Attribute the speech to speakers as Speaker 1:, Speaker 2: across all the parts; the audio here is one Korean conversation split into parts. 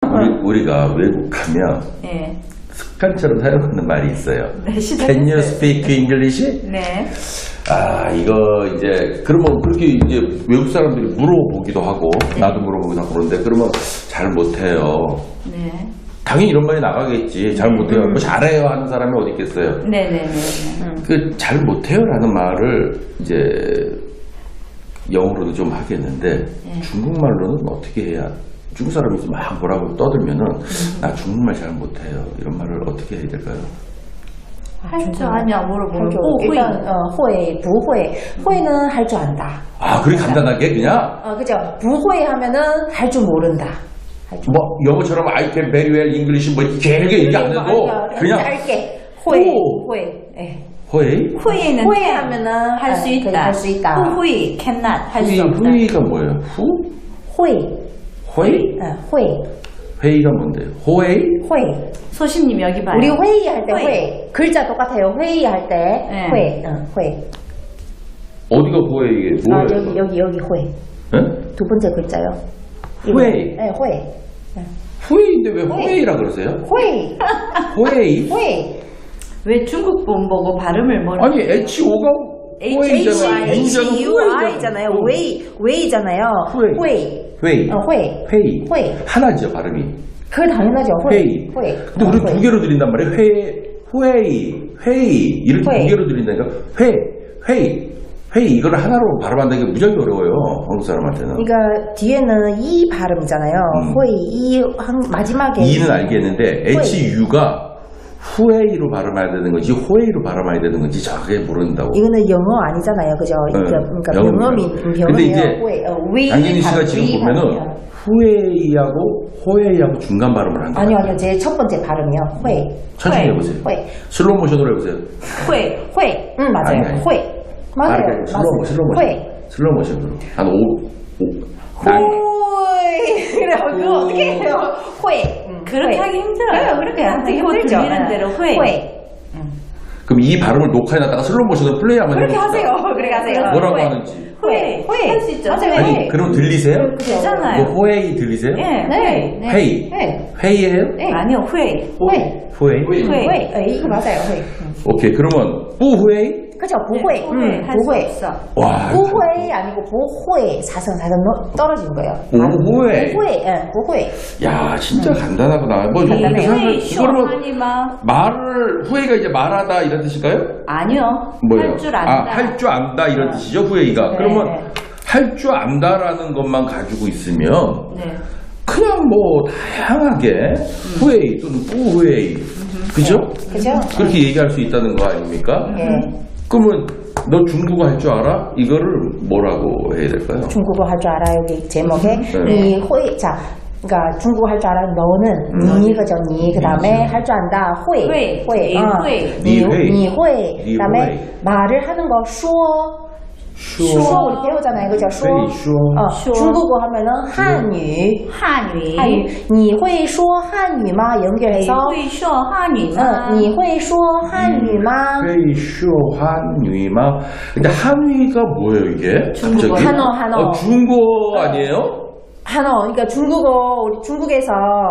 Speaker 1: 우리가 외국 가면
Speaker 2: 예.
Speaker 1: 습관처럼 사용하는 말이 있어요.
Speaker 2: 네,
Speaker 1: Can you speak English?
Speaker 2: 네.
Speaker 1: 아, 이거 이제 그러면 그렇게 이제 외국 사람들이 물어보기도 하고 나도 물어보기도 하고 그런데 그러면 잘 못해요.
Speaker 2: 네.
Speaker 1: 당연히 이런 말이 나가겠지. 잘 못해요. 뭐 잘해요 하는 사람이 어디 있겠어요.
Speaker 2: 네네네.
Speaker 1: 그 잘 못해요라는 말을 이제 영어로도 좀 하겠는데 중국말로는 어떻게 해야? 중국 사람이 막 뭐라고 떠들면은 나 중국말 잘 못해요. 이런 말을 어떻게 해야 될까요?
Speaker 2: 할 줄 아냐 물어보면
Speaker 3: 일단 会不会 会는 할 줄 안다.
Speaker 1: 아, 그렇게 간단하게 그냥
Speaker 3: 그죠? 不会 하면은 할 줄 모른다.
Speaker 1: 뭐 영어처럼 I can very well English 뭐 이렇게 길게 얘기 안 해도 그냥
Speaker 3: 짧게 会
Speaker 1: 오.
Speaker 3: 会 예.
Speaker 1: 회의?
Speaker 2: 후회는
Speaker 3: 후회 하면은
Speaker 2: 할 수 있다.
Speaker 3: 할 수 있다.
Speaker 2: 후회 cannot 할 수 없다.
Speaker 1: 회의가 뭐예요? 후?
Speaker 3: 会
Speaker 1: 회의?
Speaker 3: 会
Speaker 1: 회의가 뭔데요? 호회의?
Speaker 3: 会
Speaker 2: 소신님 여기 봐요.
Speaker 3: 우리 회의할 때
Speaker 2: 회의.
Speaker 3: 회 글자 똑같아요. 회의할 때
Speaker 2: 네.
Speaker 3: 회 회.
Speaker 1: 어디가 호회이게 뭐예요?
Speaker 3: 여기 회.
Speaker 1: 예?
Speaker 3: 두 번째 글자요.
Speaker 1: 회의.
Speaker 3: 네, 회.
Speaker 1: 후회인데 왜 호회이라 그러세요?
Speaker 3: 회.
Speaker 1: 호회이?
Speaker 3: 회.
Speaker 2: 왜 중국 본 보고 발음을 뭐라고?
Speaker 1: 아니 HO가 호회이잖아요.
Speaker 3: HUI잖아요. 웨이잖아요.
Speaker 1: 회의. 회의.
Speaker 3: 회.
Speaker 1: 회의.
Speaker 3: 회.
Speaker 1: 하나죠 발음이.
Speaker 3: 그게 당연하죠.
Speaker 1: 회의.
Speaker 3: 회.
Speaker 1: 근데 우리 두 개로 들린단 말이에요. 회의 이렇게
Speaker 3: 회.
Speaker 1: 두 개로 들린다니까. 회의 이거를 하나로 발음한다는 게 무지하게 어려워요. 한국 사람한테는.
Speaker 3: 그러니까 뒤에는 이 발음이잖아요. 회의 이 마지막에
Speaker 1: 이는 알겠는데 HU가 후회이로 발음해야 되는 건지 호회이로 발음해야 되는 건지 정확하게 모른다고.
Speaker 3: 이거는 영어 아니잖아요, 그죠? 그러니까
Speaker 1: 근데 이제 양진희 씨가 지금 보면은 후회이하고 호회이하고 중간 발음을 한 거예요.
Speaker 3: 아니요, 제 첫 번째 발음이요. 회.
Speaker 1: 천천히
Speaker 2: 회.
Speaker 1: 해보세요.
Speaker 3: 회.
Speaker 1: 슬로우 모션으로 해보세요.
Speaker 2: 회.
Speaker 3: 맞아요.
Speaker 1: 아니.
Speaker 3: 회. 맞아요.
Speaker 1: 슬로우 모션.
Speaker 3: 회.
Speaker 1: 슬로우 모션으로. 한 5.
Speaker 3: 회. 그래, 그거 어떻게 해요? 회.
Speaker 2: 그렇게
Speaker 3: 회.
Speaker 2: 하기 힘들어요.
Speaker 3: 그렇게 하기
Speaker 2: 듣고
Speaker 3: 힘들죠.
Speaker 2: 들리는 대로 회.
Speaker 1: 그럼 이 발음을 녹화해놨다가 슬로우 모션으로 플레이 한번
Speaker 3: 그렇게
Speaker 1: 해봅시다.
Speaker 3: 하세요. 그렇게 하세요.
Speaker 1: 뭐라고
Speaker 3: 회.
Speaker 1: 하는지.
Speaker 2: 회. 할 수 있죠.
Speaker 3: 맞아요.
Speaker 1: 아니,
Speaker 3: 회.
Speaker 1: 그럼 들리세요?
Speaker 2: 되잖아요.
Speaker 1: 뭐 호회이 들리세요?
Speaker 2: 예.
Speaker 3: 네.
Speaker 1: 회의.
Speaker 3: 회.
Speaker 1: 회의예요?
Speaker 3: 네.
Speaker 2: 아니요. 회.
Speaker 3: 회.
Speaker 1: 호회이?
Speaker 2: 회.
Speaker 3: 이거 맞아요. 회.
Speaker 1: 오케이, 그러면 뿌회이?
Speaker 3: 그죠? 부회.
Speaker 2: 할수
Speaker 3: 부회.
Speaker 2: 없어.
Speaker 1: 와.
Speaker 3: 부회 아니고 보회. 사선 떨어진 거예요.
Speaker 1: 오후회.
Speaker 3: 부회. 예, 부회.
Speaker 1: 야, 진짜 간단하구나. 뭐 이렇게
Speaker 3: 간단해요.
Speaker 1: 생각해.
Speaker 2: 회.
Speaker 1: 이거는
Speaker 2: 쇼하니마.
Speaker 1: 말을 후회가 이제 말하다 이런 뜻일까요?
Speaker 2: 아니요.
Speaker 1: 뭐예요?
Speaker 2: 할 줄 안다.
Speaker 1: 할 줄 안다 이런 뜻이죠, 후회가.
Speaker 3: 네.
Speaker 1: 그러면 할 줄 안다라는 것만 가지고 있으면
Speaker 2: 네.
Speaker 1: 그냥 뭐 다양하게 후회이 또는 뿌회이 그죠?
Speaker 3: 그죠?
Speaker 1: 그렇게 얘기할 수 있다는 거 아닙니까?
Speaker 3: 예.
Speaker 1: 그러면 너 중국어 할 줄 알아? 이거를 뭐라고 해야 될까요?
Speaker 3: 중국어 할 줄 알아요. 여기 제목에
Speaker 1: 네.
Speaker 3: 이 회. 자, 그러니까 중국어 할 줄 알아. 너는 니 그죠? 니 그다음에 할 줄 안다. 회.
Speaker 2: 회.
Speaker 3: 회.
Speaker 2: 니 회.
Speaker 3: 니
Speaker 1: 회.
Speaker 3: 니 회.
Speaker 1: 니
Speaker 3: 그다음에
Speaker 1: 회.
Speaker 3: 말을 하는 거说 说 우리 배우잖아요. 그죠? 说
Speaker 1: 说
Speaker 3: 중국어 하면은 한유.
Speaker 2: 한유.
Speaker 3: 한유. 你会说汉语吗? 연결해서
Speaker 2: 会说汉语吗？
Speaker 3: 你会说汉语吗?
Speaker 1: 회이 쇼 한유이마. 근데 한유이가 뭐예요 이게?
Speaker 2: 중국어.
Speaker 1: 갑자기?
Speaker 3: 한어.
Speaker 1: 중국어 아니에요?
Speaker 3: 한어, 그러니까 중국어, 우리 중국에서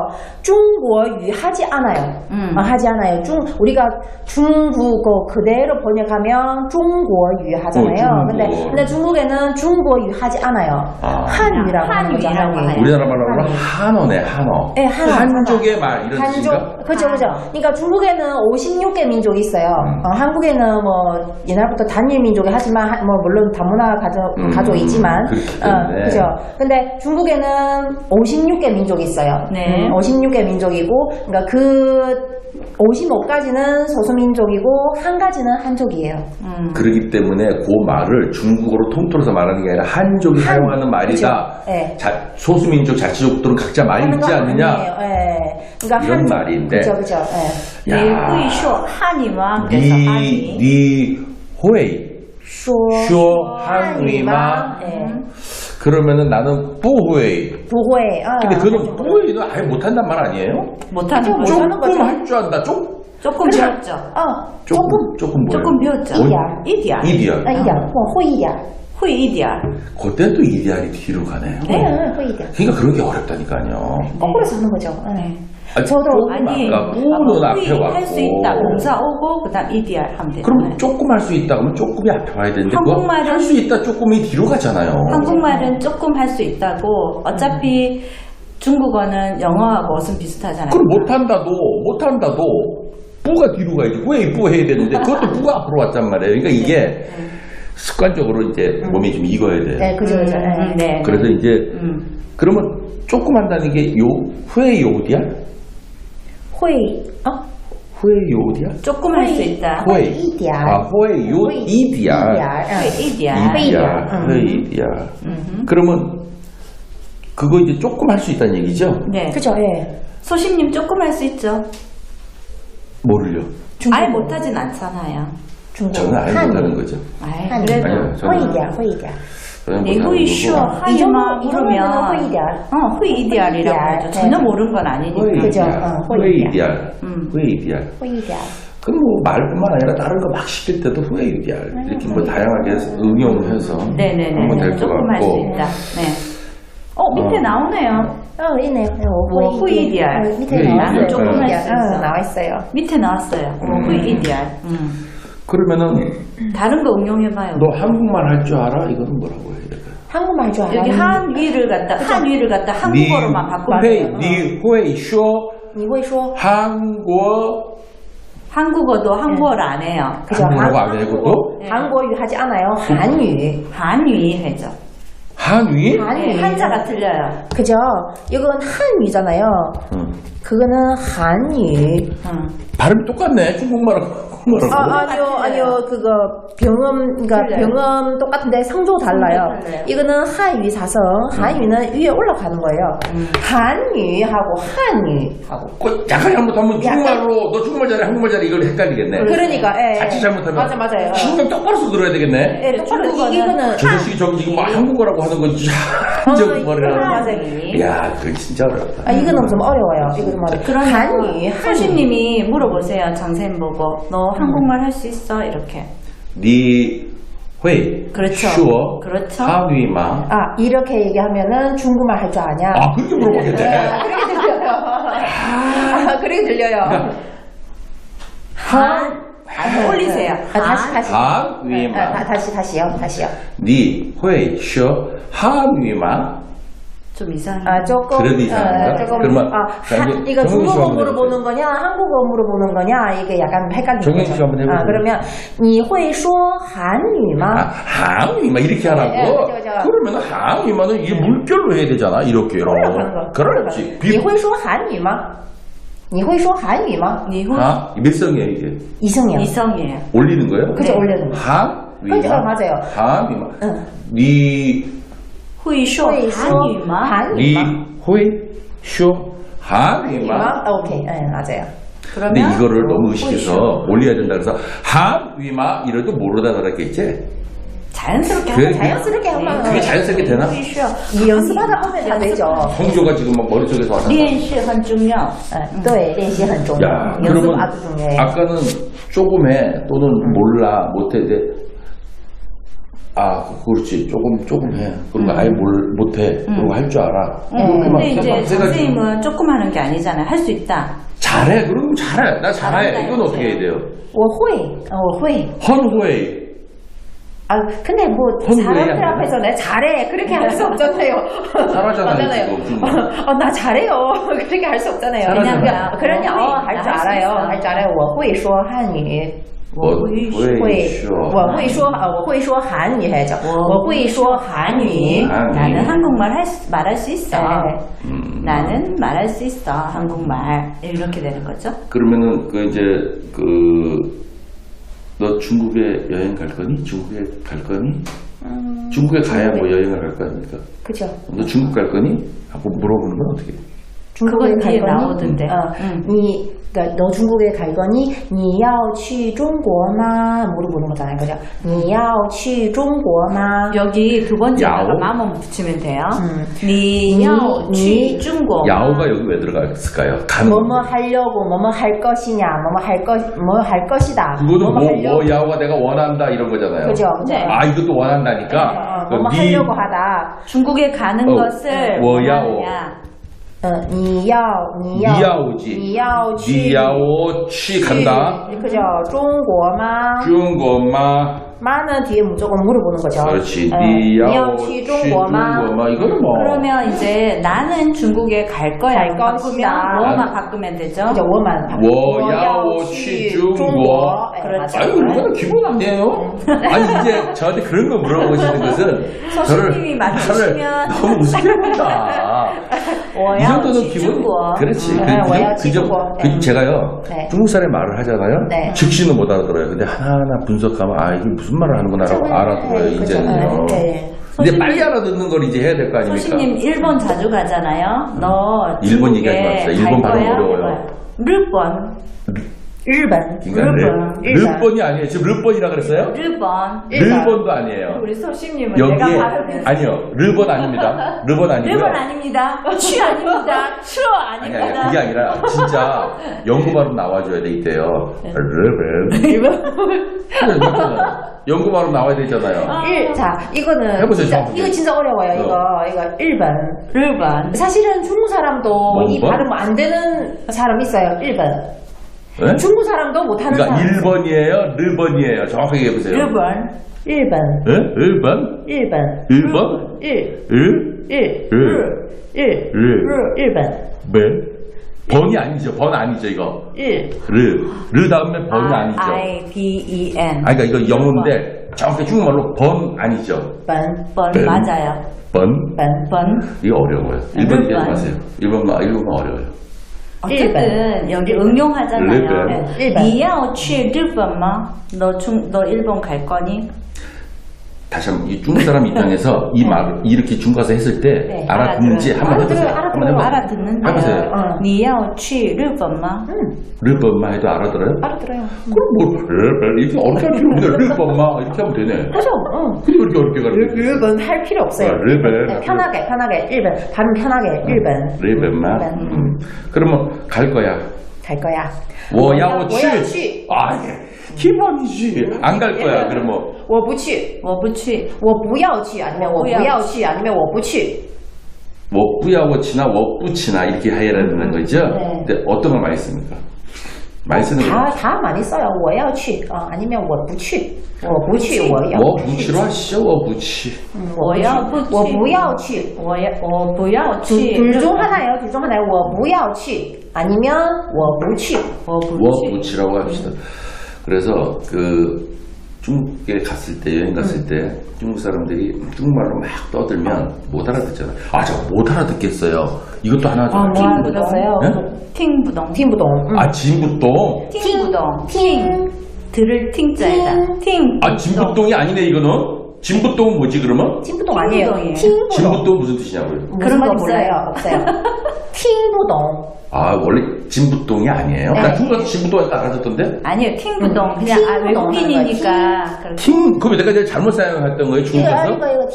Speaker 3: 중국어 하지 않아요. 하지 않아요. 우리가 중국어 그대로 번역하면 중국어 하잖아요.
Speaker 1: 중국어.
Speaker 3: 근데 중국에는 중국어 하지 않아요.
Speaker 1: 아.
Speaker 3: 한유라고 하는 거죠.
Speaker 2: 한유라고
Speaker 3: 한유.
Speaker 2: 해요.
Speaker 1: 우리나라 말로 하면 한어네 한어.
Speaker 3: 네, 한어.
Speaker 1: 한족의 말 이런 뜻인가?
Speaker 3: 한족, 그죠. 그러니까 중국에는 56개 민족이 있어요. 한국에는 뭐 옛날부터 단일 민족이 하지만 뭐 물론 다문화 가족이지만,
Speaker 1: 그렇기 때문에.
Speaker 3: 그죠. 근데 중국에는 56개 민족이 있어요.
Speaker 2: 네.
Speaker 3: 56개 민족이고, 그러니까 그 55가지는 소수민족이고 한 가지는 한족이에요.
Speaker 1: 그렇기 때문에 그 말을 중국어로 통틀어서 말하는 게 아니라 한족이 사용하는 말이다.
Speaker 3: 그죠. 네.
Speaker 1: 소수민족 자치족들은 각자 말이 있지 않느냐?
Speaker 3: 예. 그러니까
Speaker 1: 이런
Speaker 3: 한족.
Speaker 1: 말인데.
Speaker 3: 그죠. 예.
Speaker 2: 你会说汉语吗？그래서 한유.
Speaker 1: 니 회이 쇼 한유이마.
Speaker 3: 예.
Speaker 1: 그러면은 나는 뿌회이.
Speaker 3: 부회.
Speaker 1: 근데 그는 뿌회이는 아예 못한단 말 아니에요?
Speaker 2: 못하는 거죠.
Speaker 3: 못하는 거죠.
Speaker 1: 조금 할 줄 안다.
Speaker 2: 조금 배웠죠.
Speaker 1: 조금 뭐예요?
Speaker 2: 조금 배웠죠.
Speaker 1: 원-
Speaker 2: 이디야.
Speaker 1: 이디야.
Speaker 3: 一点，会一点。
Speaker 2: 会一点儿
Speaker 1: 그땐 또 이디알이 뒤로 가네요.
Speaker 3: 네, 회의다.
Speaker 1: 그러니까 그런 게 어렵다니까요.
Speaker 3: 거꾸로 사는 거죠. 네. 저도
Speaker 1: 조금
Speaker 2: 아니
Speaker 1: 아까 뿌는 앞에
Speaker 2: 할
Speaker 1: 왔고.
Speaker 2: 수 있다. 공사 오고 그다음 EDR 하면 되잖아요.
Speaker 1: 그럼 조금 할 수 있다 그러면 조금이 앞에 와야 되는데
Speaker 2: 한국말은-
Speaker 1: 할 수 있다 조금이 뒤로 가잖아요.
Speaker 2: 한국말은 조금 할 수 있다고. 어차피 중국어는 영어하고 어순 비슷하잖아요.
Speaker 1: 그럼 못한다도 뿌가 뒤로 가야지. 후에 뿌 해야 되는데 그것도 뿌가 앞으로 왔단 말이에요. 그러니까 이게 습관적으로 이제 몸이 좀 익어야 돼요.
Speaker 3: 네, 그죠. 네.
Speaker 2: 네.
Speaker 1: 그래서 이제 그러면 조금 한다는 게 후에 요디야?
Speaker 3: 会
Speaker 1: 후에 요디야?
Speaker 2: 조금 할 수 있다.
Speaker 1: 후에
Speaker 3: 一点
Speaker 1: 후에 요 이디야.
Speaker 2: 会一点儿
Speaker 3: 이디야.
Speaker 1: 후에 이디야. 그러면 그거 이제 조금 할 수 있다는 얘기죠?
Speaker 2: 네.
Speaker 3: 그죠. 예.
Speaker 2: 소심님 조금 할 수 있죠.
Speaker 1: 뭐를요?
Speaker 2: 아예 못하진 않잖아요.
Speaker 3: 중국
Speaker 1: 저는 아예 못하는 거죠.
Speaker 2: 아예
Speaker 3: 한이.
Speaker 2: 그래도
Speaker 1: 아니요, 저는-
Speaker 3: 会一点，会一点。
Speaker 1: 저는
Speaker 2: 네,
Speaker 1: 못하는
Speaker 2: 후이 쇼
Speaker 1: 거고.
Speaker 2: 하이마
Speaker 3: 이 정도면은
Speaker 2: 물으면
Speaker 3: 후이 이디알.
Speaker 2: 후이 이디알이라고
Speaker 3: 후이
Speaker 2: 하죠.
Speaker 3: 이디알.
Speaker 2: 전혀
Speaker 3: 네.
Speaker 2: 모르는 건 아니니까.
Speaker 3: 그죠.
Speaker 1: 후에 이디알. 후에 이디알.
Speaker 3: 会一点。
Speaker 1: 그럼 뭐 말뿐만 아니라 다른 거 막 시킬 때도 후에 이디알. 이렇게 뭐 다양하게 해서 응용을 해서
Speaker 2: 네네네.
Speaker 1: 하면 될 것
Speaker 2: 조금 할 수
Speaker 1: 같고.
Speaker 2: 있다. 네. 밑에 나오네요.
Speaker 3: 있네요.
Speaker 2: 뭐, 후이 이디알.
Speaker 3: 밑에
Speaker 1: 후이
Speaker 3: 나왔어요.
Speaker 1: 이디알. 조금
Speaker 2: 할수 있어.
Speaker 3: 나와 있어요.
Speaker 2: 밑에 나왔어요. 후이 이디알.
Speaker 1: 그러면은
Speaker 2: 다른 거 응용해봐요.
Speaker 1: 너 한국말 할 줄 알아? 이거는 뭐라고 해야 될까?
Speaker 3: 한국말 줄 알아요.
Speaker 2: 여기 한위를 갖다 한국어로만 바꾸면 돼요.
Speaker 1: 니 후에 쇼
Speaker 3: 你会说
Speaker 1: 한국
Speaker 2: 한국어도 한국어를 안 해요.
Speaker 3: 그죠?
Speaker 1: 한국어라고 안 해요, 그것도?
Speaker 3: 한국어 하지 않아요. 한유.
Speaker 2: 한위 해죠.
Speaker 1: 한위?
Speaker 2: 네, 한자가 틀려요.
Speaker 3: 그죠? 이건 한유잖아요.
Speaker 1: 응.
Speaker 3: 그거는 한유.
Speaker 1: 발음이 똑같네. 중국말하고 한국말하고.
Speaker 3: 아니요. 그거 병음, 그러니까
Speaker 2: 틀려요.
Speaker 3: 병음 똑같은데 성조 달라요.
Speaker 2: 성조 달라요.
Speaker 3: 이거는 한유 사성, 한유는 위에 올라가는 거예요. 한유하고 한유하고.
Speaker 1: 약간 잘못하면
Speaker 3: 약간-
Speaker 1: 중국말로 너 중국말 잘해 한국말 잘해 이걸 헷갈리겠네.
Speaker 3: 그러니까, 예.
Speaker 1: 자칫 잘못하면
Speaker 3: 맞아요.
Speaker 1: 신경 똑바로 써 들어야 되겠네.
Speaker 3: 예, 똑바로
Speaker 2: 중국어는
Speaker 3: 이거는
Speaker 1: 저 자식이 저기 지금 막 한국어라고 하는 건 진짜
Speaker 3: 이거는
Speaker 1: 한국말이라는
Speaker 3: 맞아요.
Speaker 1: 야, 그게 진짜 어렵다.
Speaker 3: 이거는 좀 어려워요. 이거 좀 어려워.
Speaker 2: 그러면
Speaker 3: 한유,
Speaker 2: 소심님이 물어보세요. 장쌤 보고 너 한국말 할 수 있어? 이렇게.
Speaker 1: 니 회,
Speaker 2: 그렇죠.
Speaker 1: 슈어,
Speaker 2: 그렇죠.
Speaker 1: 한위마.
Speaker 3: 이렇게 얘기하면은 중국말 할 줄 아냐?
Speaker 1: 그렇게 물어보겠네.
Speaker 3: 그렇게 들려요. 그렇게 들려요.
Speaker 2: 올리세요.
Speaker 3: 다시.
Speaker 1: 한위마.
Speaker 3: 다시요.
Speaker 1: 니 회, 슈어, 한위마.
Speaker 2: 좀 이상해.
Speaker 3: 조금.
Speaker 1: 그래도 이상한가?
Speaker 3: 조금.
Speaker 1: 그러면
Speaker 3: 이거
Speaker 1: 정윤 씨
Speaker 3: 중국어
Speaker 1: 한번
Speaker 3: 물어보는 거냐, 한국어 물어보는 거냐, 이게 약간 헷갈리는
Speaker 1: 정윤
Speaker 3: 거죠.
Speaker 1: 씨 한번 해보세요.
Speaker 3: 그러면, 你会说韩语吗?
Speaker 1: 한위마 이렇게 하라고.
Speaker 3: 네, 그죠.
Speaker 1: 그러면 한위마는 이게 물결로 해야 되잖아. 이렇게.
Speaker 3: 올라가는 거.
Speaker 1: 그렇지.
Speaker 3: 你会说韩语吗?你会说韩语吗?
Speaker 2: 니혼
Speaker 1: 몇 성이에요 이게?
Speaker 3: 이성이요.
Speaker 2: 이성이에요.
Speaker 1: 올리는 거예요?
Speaker 3: 그죠, 올리는 거.
Speaker 1: 한위마.
Speaker 3: 그죠, 맞아요.
Speaker 1: 한위마.
Speaker 3: 응.
Speaker 1: 니
Speaker 2: 후이쇼
Speaker 3: 회说
Speaker 2: 한유마.
Speaker 1: 你
Speaker 3: 한유마?
Speaker 1: 会说韩语吗？
Speaker 3: 오케이. 네, 맞아요.
Speaker 1: 근데
Speaker 2: 그러면
Speaker 1: 이거를 너무 의식해서 올려야 된다 그래서 한위마 이래도 모르다 그랬겠지?
Speaker 2: 자연스럽게
Speaker 1: 그래,
Speaker 2: 하면
Speaker 3: 자연스럽게 하면
Speaker 1: 그게 자연스럽게 되나?
Speaker 2: 후이쇼.
Speaker 3: 이 연습하다 보면 다 되죠.
Speaker 1: 성조가 지금 막 머릿속에서 왔다.
Speaker 2: 练习很重要.
Speaker 3: 네, 练习很重要.
Speaker 1: 야,
Speaker 3: 연습
Speaker 1: 그러면
Speaker 3: 아주 중요해요.
Speaker 1: 아까는 조금 해 또는 몰라 못해 이제 그렇지 조금 해 그런 거 아예 못해 그런 거 할 줄 알아
Speaker 2: 근데 이제 선생님은 조금 하는 게 아니잖아요. 할 수 있다.
Speaker 1: 잘해 그럼 잘해 나 잘해
Speaker 2: 잘한다,
Speaker 1: 이건 어떻게 해야 돼요?
Speaker 3: 我会.
Speaker 1: 헌후에
Speaker 3: 근데 뭐
Speaker 1: 헌후에
Speaker 3: 사람들
Speaker 1: 아니라?
Speaker 3: 앞에서 내가 잘해 그렇게 할 수 없잖아요.
Speaker 1: 잘하잖아요, 지금.
Speaker 3: 나 잘해요. 그렇게 할 수 없잖아요.
Speaker 1: 잘하잖아요.
Speaker 3: 그러냐, 할 줄 알아요. 할 줄 알아요. 我会说汉语.
Speaker 1: 我会说
Speaker 3: 我会说韩语해야죠. 我会说韩语.
Speaker 2: 나는 한국말 말할 수 있어.
Speaker 3: 네.
Speaker 2: 나는 말할 수 있어. 한국말. 이렇게 되는 거죠.
Speaker 1: 그러면은 너 중국에 여행 갈 거니? 중국에 갈 거니? 중국에 가야 뭐 여행을 갈 거 아닙니까?
Speaker 3: 그죠.
Speaker 1: 너 중국 갈 거니? 하고 물어보는 건 어떻게 해?
Speaker 3: 중국에
Speaker 2: 그건
Speaker 3: 갈
Speaker 2: 뒤에
Speaker 3: 거니?
Speaker 2: 나오던데.
Speaker 3: 그러니까 너 중국에 갈 거니? 你要去中国吗? 물어보는 거잖아요. 그죠? 你要去中国吗?
Speaker 2: 여기 두 번째다가
Speaker 1: 야오?
Speaker 2: 마음만 붙이면 돼요.
Speaker 3: 니-
Speaker 2: 你要去中国
Speaker 1: 야오가 여기 왜 들어갔을까요? 가는
Speaker 3: 뭐뭐 하려고, 뭐뭐 할 것이냐, 뭐 할 것이다.
Speaker 1: 그거는
Speaker 3: 뭐뭐 하려고.
Speaker 1: 야오가 내가 원한다 이런 거잖아요.
Speaker 3: 그죠?
Speaker 2: 네.
Speaker 1: 이것도 원한다니까.
Speaker 3: 뭐뭐
Speaker 1: 니-
Speaker 3: 하려고 하다.
Speaker 2: 중국에 가는 것을
Speaker 1: 워야오.
Speaker 2: 원하느냐.
Speaker 3: 你要
Speaker 1: 니야오지.
Speaker 3: 你要去
Speaker 1: 니야오치 간다.
Speaker 3: 그죠? 中国吗?
Speaker 1: 중국마.
Speaker 3: 마는 뒤에 무조건 물어보는 거죠.
Speaker 1: 그렇지.
Speaker 3: 니要
Speaker 1: 니야오치
Speaker 3: 去中国吗?
Speaker 1: 중국마. 이거는 뭐.
Speaker 2: 그러면 이제 나는 중국에 갈 거야.
Speaker 3: 갈
Speaker 2: 바꾸면
Speaker 3: 것이다.
Speaker 2: 뭐만 바꾸면 되죠?
Speaker 3: 그죠? 我们
Speaker 1: 워야오 치 중국.
Speaker 2: 그렇죠.
Speaker 1: 아유, 이거는 기본 아니에요? 아니, 이제 저한테 그런 거 물어보시는 것은
Speaker 2: 서수님이 맞추시면
Speaker 1: 저를 너무 우습게 본다. 이 정도는 기본. 그렇지. 제가요,
Speaker 3: 네.
Speaker 1: 중국 사람이 말을 하잖아요.
Speaker 3: 네.
Speaker 1: 즉시는 못 알아들어요. 근데 하나하나 분석하면, 아, 이게 무슨 말을 하는구나라고 알아들어요, 이제는요.
Speaker 3: 네.
Speaker 1: 근데 빨리 알아듣는 걸 이제 해야 될 거 아닙니까?
Speaker 2: 소신님 일본 자주 가잖아요. 너
Speaker 1: 일본
Speaker 2: 중국에
Speaker 1: 얘기하지 맙시다.
Speaker 2: 갈
Speaker 1: 일본 발음
Speaker 2: 거야?
Speaker 1: 어려워요.
Speaker 2: 해봐요. 일본.
Speaker 3: 日本
Speaker 1: 그러니까 르번이 아니에요. 지금 르번이라 그랬어요?
Speaker 2: 일본.
Speaker 1: 르번도 아니에요.
Speaker 2: 우리 소신님은
Speaker 1: 여기에
Speaker 2: 내가 발음이
Speaker 1: 아니요. 르번 아닙니다. 르번 아니고요.
Speaker 2: 일본 아닙니다. 취 아닙니다. 추
Speaker 1: 아니
Speaker 2: 아닙니다.
Speaker 1: 그게 아니라 진짜 영구 발음 나와줘야 돼 이때요. 르번. 영구 발음 나와야 되잖아요.
Speaker 3: 자, 이거는
Speaker 1: 해보세요,
Speaker 3: 진짜,
Speaker 1: 정확하게.
Speaker 3: 이거 진짜 어려워요. 이거 일본.
Speaker 2: 일본.
Speaker 3: 사실은 중국 사람도 이
Speaker 1: 뭐?
Speaker 3: 발음 안 되는 사람 있어요. 일본.
Speaker 1: 네?
Speaker 3: 중국 사람도 못하는
Speaker 1: 그러니까
Speaker 3: 사람.
Speaker 1: 1번이에요, 르번이에요. 정확하게 해보세요.
Speaker 2: 일본.
Speaker 3: 일본.
Speaker 1: 예? 1번?
Speaker 3: 일본.
Speaker 1: 1번?
Speaker 3: 일.
Speaker 1: 1?
Speaker 3: 일본.
Speaker 1: 네? 번이 아니죠. 번 아니죠, 이거.
Speaker 3: 일.
Speaker 1: 르 다음에 번이 아니죠.
Speaker 2: I-B-E-N.
Speaker 1: 아니, 그러니까 이거 영어인데 정확히 중국말로 번 아니죠.
Speaker 3: 번.
Speaker 2: 번
Speaker 1: 번.
Speaker 2: 맞아요.
Speaker 1: 번?
Speaker 2: 번.
Speaker 1: 이거 어려워요. 1번 얘기하지 마세요. 1번만 어려워요.
Speaker 2: 어쨌든 여기 응용하잖아요.
Speaker 1: 일본.
Speaker 3: 일본.
Speaker 2: 你要去日本吗? 너 일본 갈 거니?
Speaker 1: 다시 한번 이 중국 사람 입장에서 이 말을 이렇게 중국 가서 했을 때
Speaker 3: 네,
Speaker 1: 알아듣는지 한번 해보세요.
Speaker 3: 알아들어요,
Speaker 1: 한번 해보세요.
Speaker 2: 알아듣는데요.
Speaker 1: 해보세요.
Speaker 2: 你要去日本吗?
Speaker 1: 르번만 해도 알아들어요?
Speaker 3: 알아들어요.
Speaker 1: 그럼 뭐 이렇게 어렵게 할 필요 없네. 르번만 이렇게 하면 되네.
Speaker 3: 그죠? 응.
Speaker 1: 근데 왜 이렇게 어렵게 가르쳐?
Speaker 3: 일본 할 필요 없어요.
Speaker 1: 르번.
Speaker 3: 네, 편하게. 일본. 발음 편하게. 일본.
Speaker 1: 르번만. 그러면 갈 거야.
Speaker 3: 갈 거야.
Speaker 1: 我要
Speaker 3: 我要
Speaker 1: 去
Speaker 3: 去.
Speaker 1: 아, 기본이지. 안 갈 거야. 그러면
Speaker 3: 我不去.
Speaker 2: 我不去.
Speaker 3: 我不要去 아니면 我不要去 아니면 我不去.
Speaker 1: 워뿌야워치나 워뿌치나 이렇게 해야 되는 거죠.
Speaker 3: 네.
Speaker 1: 근데 어떤 걸 많이 씁니까? 많이 쓰는 거.
Speaker 3: 다 많이 써요. 我要去 아니면 我不去. 我不去. 我要
Speaker 1: 워뿌치로 하시죠. 워뿌치.
Speaker 2: 我要不去.
Speaker 3: 我不要去.
Speaker 2: 我不要去.
Speaker 3: 둘 중 하나예요. 我不要去 아니면 我不去.
Speaker 2: 我不去.
Speaker 1: 워뿌치라고 합시다. 그래서 그 중국에 갔을 때 여행 갔을 때 중국 사람들이 중국말로 막 떠들면 못 알아듣잖아요. 아, 저 못 알아듣겠어요. 이것도 하나 좀.
Speaker 3: 뭐 알아들었어요?
Speaker 1: 네?
Speaker 2: 팅부동.
Speaker 3: 팀부동.
Speaker 1: 아, 진부동.
Speaker 2: 팅부동.
Speaker 3: 팀.
Speaker 2: 들을 팅자에다. 팅.
Speaker 1: 아, 진부동이 아니네 이거는. 진부동은 뭐지 그러면?
Speaker 3: 팀부동 아니에요.
Speaker 2: 팀부동이에요.
Speaker 3: 팀부동.
Speaker 1: 진부동 무슨 뜻이냐고요?
Speaker 3: 그런 거
Speaker 2: 없어요.
Speaker 3: 몰라요. 없어요. 팀부동.
Speaker 1: 아, 원래 진부동이 아니에요?
Speaker 3: 네.
Speaker 1: 나 중국 가서 진부동 아까알아듣던데
Speaker 2: 아니요, 팅부동. 그냥
Speaker 3: 팅부동
Speaker 2: 외국인이니까.
Speaker 1: 팅, 그럼 내가 제일 잘못 생각했던 거예요, 중국에서?
Speaker 3: 이거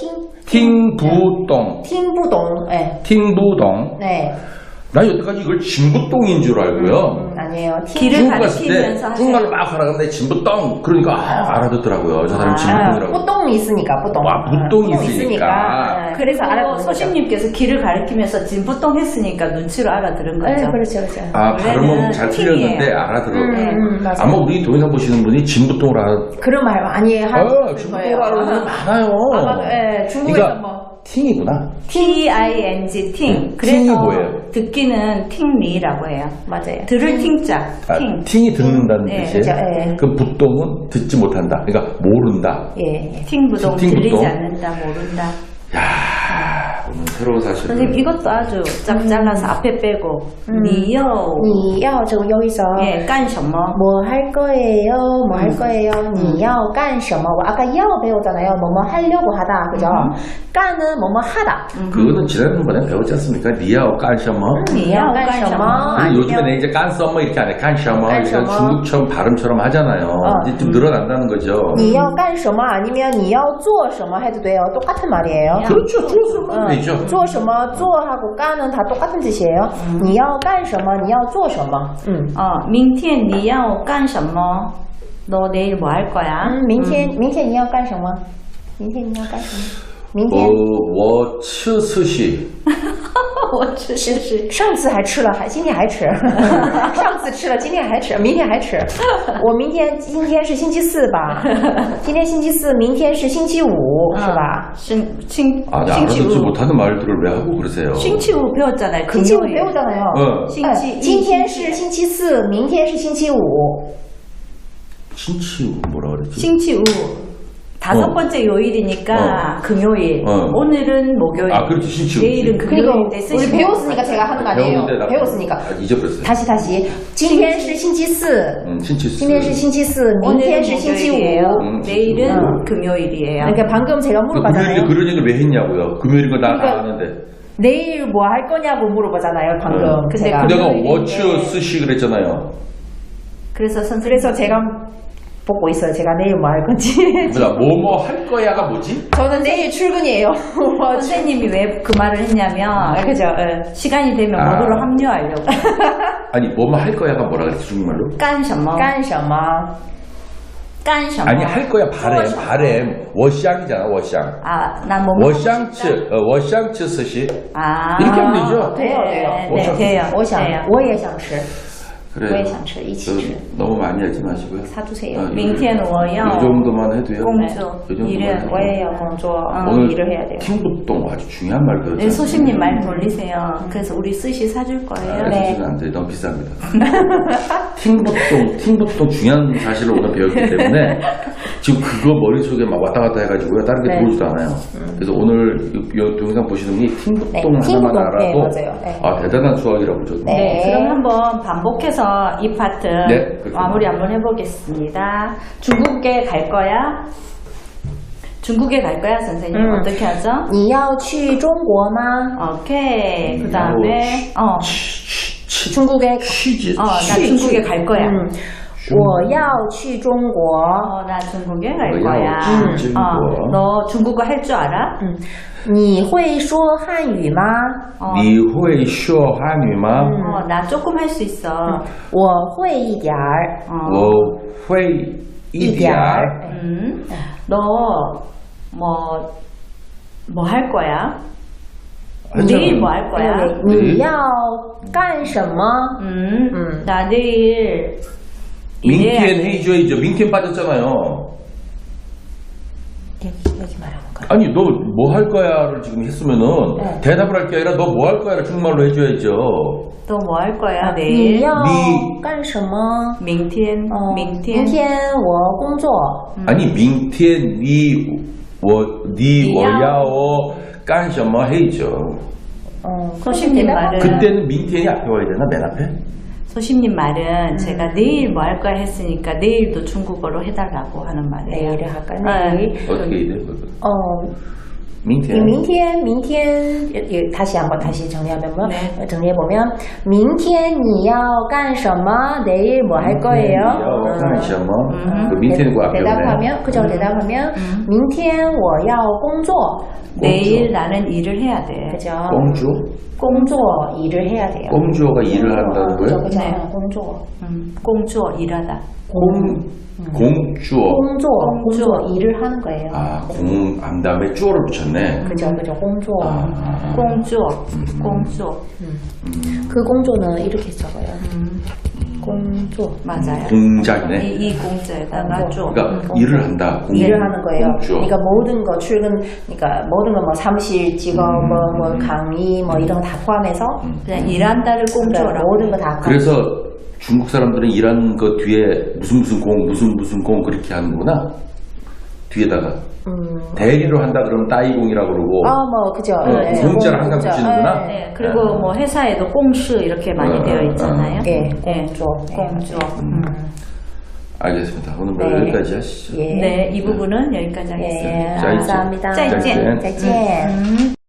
Speaker 1: 팅부동.
Speaker 3: 팀부동. 네.
Speaker 1: 팅부동.
Speaker 3: 네.
Speaker 1: 난 여태까지 이걸 진부동인 줄 알고요.
Speaker 3: 아니에요.
Speaker 2: 길을
Speaker 1: 중국 갔을 때
Speaker 2: 가리키면서 하세요.
Speaker 1: 중국말로 막 하라 그러는데 진부동. 그러니까 알아듣더라고요. 저 사람 진부동이라고.
Speaker 3: 뿌똥이 있으니까 뿌똥.
Speaker 1: 와, 뿌똥이 있으니까.
Speaker 3: 네.
Speaker 2: 그래서
Speaker 3: 알아듣는 거죠.
Speaker 2: 소신님께서 길을 가리키면서 진부동 했으니까 눈치로 알아들은 거죠.
Speaker 3: 네, 그렇죠.
Speaker 1: 아, 발음은
Speaker 2: 원래는
Speaker 1: 잘
Speaker 2: 팅이에요.
Speaker 1: 틀렸는데 알아들어.
Speaker 3: 맞아요.
Speaker 1: 아마 우리 동영상 보시는 분이 진부동을
Speaker 3: 그런 말 많이 하는
Speaker 1: 진부동을 아는 분들 많아요.
Speaker 3: 아마 네, 중국에서
Speaker 1: 그러니까
Speaker 3: 뭐
Speaker 1: 팅이구나.
Speaker 2: T-I-N-G, 팅.
Speaker 1: 팅이
Speaker 2: 그래서
Speaker 1: 뭐예요?
Speaker 2: 듣기는 팅리라고 해요.
Speaker 3: 맞아요.
Speaker 2: 들을 팅자,
Speaker 1: 아,
Speaker 2: 팅.
Speaker 1: 팅이 듣는다는
Speaker 2: 네,
Speaker 1: 뜻이에요.
Speaker 3: 그렇죠, 예.
Speaker 1: 그럼 부동은 듣지 못한다. 그러니까 모른다.
Speaker 3: 예.
Speaker 2: 팅부동,
Speaker 1: 팅부동.
Speaker 2: 들리지 않는다, 모른다.
Speaker 1: 야, 오늘 새로운 사실을.
Speaker 2: 선생님, 이것도 아주 짝 잘라서 앞에 빼고, 니요,
Speaker 3: 你要 저 여기서
Speaker 2: 예, 깐什么?
Speaker 3: 뭐 할 거예요? 뭐 할 거예요? 你要干什么? 아까 要 배웠잖아요. 뭐뭐 하려고 하다. 그죠? 깐은 뭐뭐 하다.
Speaker 1: 그거는 지난번에 배웠지 않습니까? 니야오 깐셔머.
Speaker 2: 你要干什么?
Speaker 1: 요즘에 내 이제 깐서머 이렇게 안 해. 깐셔머.
Speaker 3: 깐셔머.
Speaker 1: 중국처럼 발음처럼 하잖아요. 이제 좀 늘어난다는 거죠.
Speaker 3: 你要干什么 아니면 你要做什么 해도 돼요. 똑같은 말이에요.
Speaker 1: 그렇죠. 좋았으면 되죠.
Speaker 3: 做什么 做하고 깐은 다 똑같은 뜻이에요. 你要干什么你要做什么
Speaker 2: 明天你要干什么? 너 내일 뭐 할 거야?
Speaker 3: 明天你要干什么明天你要干什么明天
Speaker 1: 我吃寿司。
Speaker 2: 我吃是
Speaker 3: 上次还吃了，今天还吃。上次吃了，今天还吃，明天还吃。今天是星期四吧？今天星期四，明天是星期五，是吧？
Speaker 2: 星
Speaker 1: 아, 네,
Speaker 2: 期
Speaker 1: 알아듣지
Speaker 2: 五
Speaker 1: 못하는 말들을 왜 하고 그러세요?
Speaker 2: 星期五 배웠잖아요.
Speaker 3: 星期五
Speaker 2: 금요일.
Speaker 3: 배우잖아요.
Speaker 1: 응.
Speaker 2: 星期一
Speaker 3: 今天是星期四，明天是星期五。
Speaker 1: 신치우 뭐라 그랬지?
Speaker 2: 星期五 다섯
Speaker 1: 어.
Speaker 2: 번째 요일이니까 금요일.
Speaker 1: 어.
Speaker 2: 오늘은 목요일.
Speaker 1: 아, 그렇지, 신치우.
Speaker 2: 내일은
Speaker 3: 그리고
Speaker 2: 금요일인데
Speaker 3: 우리
Speaker 2: 쓰시면
Speaker 3: 배웠으니까 제가 하는 거 아니에요.
Speaker 1: 배웠는데 나
Speaker 3: 배웠으니까.
Speaker 1: 잊어버렸어요.
Speaker 3: 다시. 今天是星期四，
Speaker 1: 신치수.
Speaker 3: 今天是星期四，明
Speaker 2: 오늘은
Speaker 3: 天是星期五。
Speaker 2: 목요일이에요. 내일은
Speaker 3: 응.
Speaker 2: 금요일이에요.
Speaker 3: 그러니까 방금 제가
Speaker 1: 금요일에
Speaker 3: 물어봤잖아요.
Speaker 1: 그런 얘기를 왜 했냐고요? 금요일인 거 나 다
Speaker 3: 그러니까
Speaker 1: 아는데.
Speaker 3: 내일 뭐 할 거냐고 물어보잖아요. 방금
Speaker 2: 근데
Speaker 3: 제가.
Speaker 1: 내가
Speaker 2: 금요일인데.
Speaker 1: 워치 스시 그랬잖아요.
Speaker 2: 그래서 선생님
Speaker 3: 그래서 제가 보고 있어요. 제가 내일 뭐 할 건지.
Speaker 1: 뭐야, 뭐뭐 할 거야가 뭐지?
Speaker 3: 저는 내일 출근이에요.
Speaker 2: 선생님이 왜 그 말을 했냐면
Speaker 3: 그죠.
Speaker 2: 시간이 되면
Speaker 1: 아.
Speaker 2: 모두로 합류하려고.
Speaker 1: 아니, 뭐뭐 할 거야가 뭐라 그랬지, 중국말로?
Speaker 2: 干什么?
Speaker 3: 干什么?
Speaker 2: 干什么?
Speaker 1: 아니, 할 거야, 바램. 워샹이잖아, 워샹.
Speaker 2: 아, 난 뭐.
Speaker 1: 워샹츠 스시.
Speaker 2: 아.
Speaker 1: 이렇게 하면 되죠?
Speaker 3: 돼요.
Speaker 2: 네, 돼요.
Speaker 3: 我想
Speaker 2: 돼요.
Speaker 3: 我也想吃
Speaker 1: 그래요.
Speaker 3: 我也想吃一起吃
Speaker 1: 너무 많이 하지 마시고요.
Speaker 3: 사주세요.
Speaker 1: 어,
Speaker 2: 明天我要
Speaker 1: 이 정도만 해도요.
Speaker 2: 공조.
Speaker 1: 이 정도만
Speaker 2: 일은
Speaker 1: 해도.
Speaker 3: 我也要工作
Speaker 1: 오늘
Speaker 3: 일을 해야 돼요.
Speaker 1: 팅부동 아주 중요한 말 배웠잖아요.
Speaker 2: 네, 소심님 말 돌리세요. 그래서 우리 스시 사줄 거예요.
Speaker 3: 네.
Speaker 1: 안 돼. 너무 비쌉니다. 팅부동 중요한 사실을 오늘 배웠기 때문에 지금 그거 머릿속에 막 왔다 갔다 해가지고요. 다른 게
Speaker 3: 네.
Speaker 1: 들어오지도 않아요. 그래서 오늘 이 동영상 보시는 분이 팅부동
Speaker 3: 네,
Speaker 1: 하나만
Speaker 3: 팅부동.
Speaker 1: 알아도
Speaker 3: 네, 맞아요. 네.
Speaker 1: 아, 대단한 수학이라고 저도.
Speaker 3: 네.
Speaker 2: 그럼 한번 반복해서 이 파트
Speaker 1: 네, 그렇군요.
Speaker 2: 마무리 한번 해보겠습니다. 중국에 갈 거야? 중국에 갈 거야, 선생님? 어떻게 하죠?
Speaker 3: 你要去中国吗?
Speaker 2: 오케이. 그 다음에,
Speaker 3: 중국에
Speaker 1: 취지.
Speaker 2: 나 중국에 갈 거야.
Speaker 3: 我要去中国.
Speaker 2: 나 중국에 갈
Speaker 1: 我要
Speaker 2: 거야.
Speaker 1: 去中国.
Speaker 2: 너 중국어 할 줄 알아?
Speaker 3: 你会说汉语吗?
Speaker 1: 你会说汉语吗?
Speaker 2: 나 조금 할 수 있어.
Speaker 3: 我会一点儿.
Speaker 1: 我会一点儿.
Speaker 2: 너, 뭐 할 거야?
Speaker 1: 하잖아.
Speaker 2: 내일 뭐 할 거야?
Speaker 3: 你要干什么?
Speaker 2: 나 내일
Speaker 1: 민티엔
Speaker 2: 일해야지.
Speaker 1: 해줘야죠. 민티엔 빠졌잖아요.
Speaker 3: 여기 말하는 거.
Speaker 1: 아니 너 뭐 할 거야를 지금 했으면은
Speaker 3: 네.
Speaker 1: 대답을 할 게 아니라 너 뭐 할 거야를 중국말로 해줘야죠.
Speaker 2: 너 뭐 할 거야
Speaker 3: 你
Speaker 2: 내일?
Speaker 3: 要
Speaker 1: 你
Speaker 3: 干什么?
Speaker 2: 明天
Speaker 3: 明天我工作.
Speaker 1: 아니 민티엔 니 워야오 깐셔머 해야죠.
Speaker 2: 소심님 말은
Speaker 1: 그때는 민티엔이 앞에 와야 되나 맨 앞에?
Speaker 2: 소심님 말은 제가 내일 뭐 할 거야 했으니까 내일도 중국어로 해달라고 하는 말이에요.
Speaker 3: 내일을 할까?
Speaker 2: 네.
Speaker 3: 내일.
Speaker 1: 어떻게 해야 돼? 민티엔.
Speaker 3: 明天 다시 정리하면
Speaker 2: 네.
Speaker 3: 정리해보면 明天你要干什么? 내일 뭐 할 거예요?
Speaker 1: 깐셔머. 그 민티엔이 그 앞에 오네.
Speaker 3: 대답하면 그죠? 대답하면 明天我要工作.
Speaker 2: 내일 나는 일을 해야 돼.
Speaker 3: 그죠?
Speaker 1: 공주?
Speaker 3: 工作 일을 해야 돼요.
Speaker 1: 공주가 일을 한다는 거예요?
Speaker 3: 그죠?
Speaker 2: 네.
Speaker 3: 工作
Speaker 2: 공주어 일하다.
Speaker 1: 공주어.
Speaker 3: 工作 일을 하는 거예요.
Speaker 1: 아, 안 다음에 주어를 붙였네.
Speaker 3: 그죠? 工作
Speaker 2: 공주어. 공주어.
Speaker 3: 그 공조는 이렇게 적어요. 공조
Speaker 2: 맞아요.
Speaker 1: 공작이네.
Speaker 2: 이 공주에다가 줘.
Speaker 1: 그러니까 일을 한다.
Speaker 3: 일을 하는 거예요.
Speaker 1: 공주어.
Speaker 3: 그러니까 모든 거 그러니까 모든 거 뭐 사무실, 직업, 뭐 강의, 뭐 이런 거 다 포함해서
Speaker 2: 그냥 일한다를
Speaker 3: 그러니까
Speaker 2: 공주어라고.
Speaker 3: 모든 거 다.
Speaker 1: 그래서 중국 사람들은 일하는 거 뒤에 무슨 공 그렇게 하는구나. 뒤에다가 대리로 한다 그러면 따이공이라고 그러고
Speaker 3: 뭐 그죠.
Speaker 1: 공짜를 항상 붙이는구나.
Speaker 2: 네, 그리고 뭐 회사에도 공시 이렇게 많이 되어 있잖아요.
Speaker 3: 예,
Speaker 2: 네,
Speaker 3: 공조.
Speaker 2: 공주어.
Speaker 1: 알겠습니다. 오늘 뭐
Speaker 3: 네.
Speaker 1: 여기까지 하시죠.
Speaker 3: 예.
Speaker 2: 네, 이 부분은 여기까지 하겠습니다.
Speaker 3: 예, 감사합니다.
Speaker 2: 再见.
Speaker 3: 再见.